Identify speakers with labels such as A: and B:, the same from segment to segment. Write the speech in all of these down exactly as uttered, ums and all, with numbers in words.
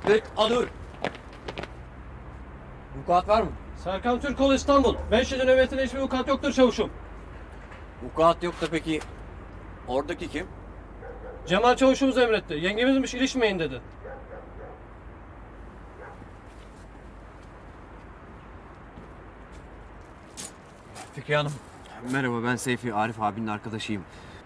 A: Dur, al dur. Vukuat var mı?
B: Serkan Türkoğlu İstanbul. beş yedi nöbetinde hiçbir vukuat yoktur çavuşum.
A: Vukuat yok da peki oradaki kim?
B: Cemal çavuşumuz emretti. Yengemizmiş, ilişmeyin dedi.
A: Fikriye Hanım. Merhaba, ben Seyfi, Arif abinin arkadaşıyım.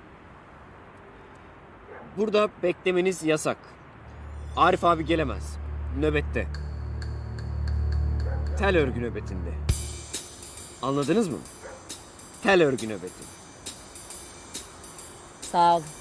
A: Burada beklemeniz yasak. Arif abi gelemez. Nöbette. Tel örgü nöbetinde. Anladınız mı? Tel örgü nöbeti.
C: Sağ ol.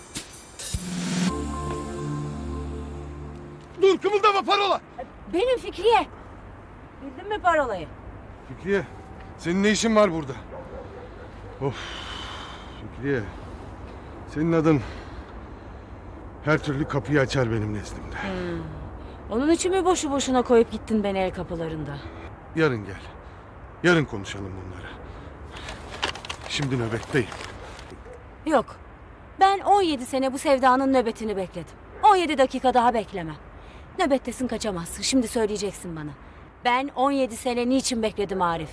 D: Dur, kımıldama, parola!
C: Benim Fikriye. Bildin mi parolayı?
D: Fikriye, senin ne işin var burada? Of, Fikriye. Senin adın her türlü kapıyı açar benim nezdimde.
C: Hmm. Onun için mi boşu boşuna koyup gittin beni el kapılarında?
D: Yarın gel. Yarın konuşalım bunları. Şimdi nöbetteyim.
C: Yok. Ben on yedi sene bu sevdanın nöbetini bekledim. on yedi dakika daha beklemem. Nöbettesin, kaçamazsın. Şimdi söyleyeceksin bana. Ben on yedi sene niçin bekledim Arif?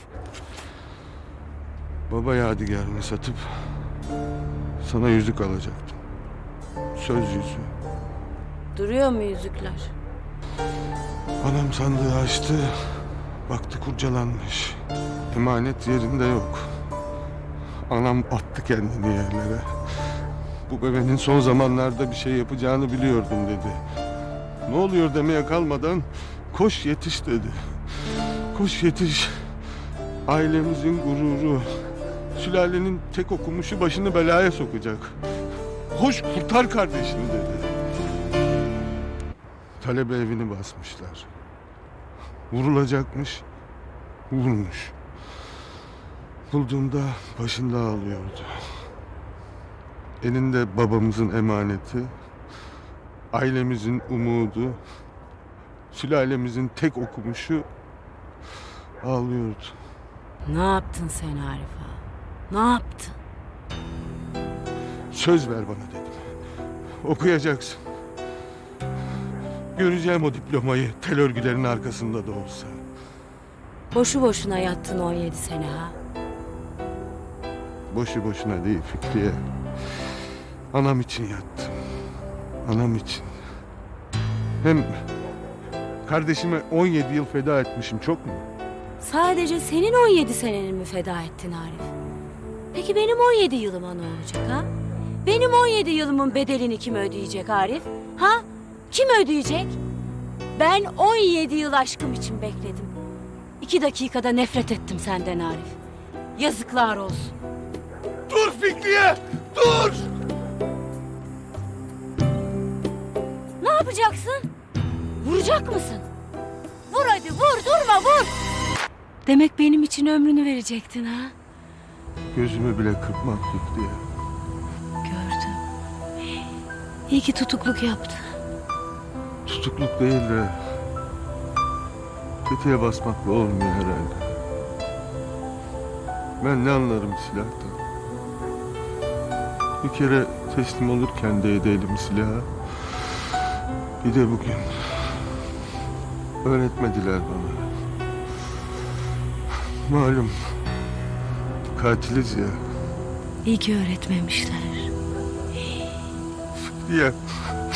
D: Baba yadigarını satıp sana yüzük alacaktım. Söz yüzüğü.
C: Duruyor mu yüzükler?
D: Anam sandığı açtı. Baktı kurcalanmış. Emanet yerinde yok. Anam attı kendini yerlere. Bu bebenin son zamanlarda bir şey yapacağını biliyordum dedi. Ne oluyor demeye kalmadan koş yetiş dedi. Koş yetiş. Ailemizin gururu. Sülalenin tek okumuşu başını belaya sokacak. Koş kurtar kardeşini dedi. Talebe evini basmışlar. Vurulacakmış. Vurmuş. Bulduğunda başında ağlıyordu. Elinde babamızın emaneti, ailemizin umudu, sülalemizin tek okumuşu ağlıyordu.
C: Ne yaptın sen Arif ağa? Ne yaptın?
D: Söz ver bana dedim. Okuyacaksın. Göreceğim o diplomayı tel örgülerin arkasında da olsa.
C: Boşu boşuna yattın on yedi sene ha.
D: Boşu boşuna değil Fikriye. Anam için yattım. Anam için. Hem kardeşime on yedi yıl feda etmişim, çok mu?
C: Sadece senin on yedi seneni mi feda ettin Arif? Peki benim on yedi yılıma ne olacak ha? Benim on yedi yılımın bedelini kim ödeyecek Arif? Ha? Kim ödeyecek? Ben on yedi yıl aşkım için bekledim. İki dakikada nefret ettim senden Arif. Yazıklar olsun.
D: Dur Fikriye! Dur!
C: Ne yapacaksın? Vuracak mısın? Vur hadi, vur, durma, vur! Demek benim için ömrünü verecektin ha?
D: Gözümü bile kırpmam Fikriye.
C: Gördüm. İyi ki tutukluk yaptı.
D: Tutukluk değil de tetiğe basmakla olmuyor herhalde. Ben ne anlarım silahtan. Bir kere teslim olurken değdi elim silaha. Bir de bugün. Öğretmediler bana. Malum katiliz ya.
C: İyi ki öğretmemişler.
D: Diye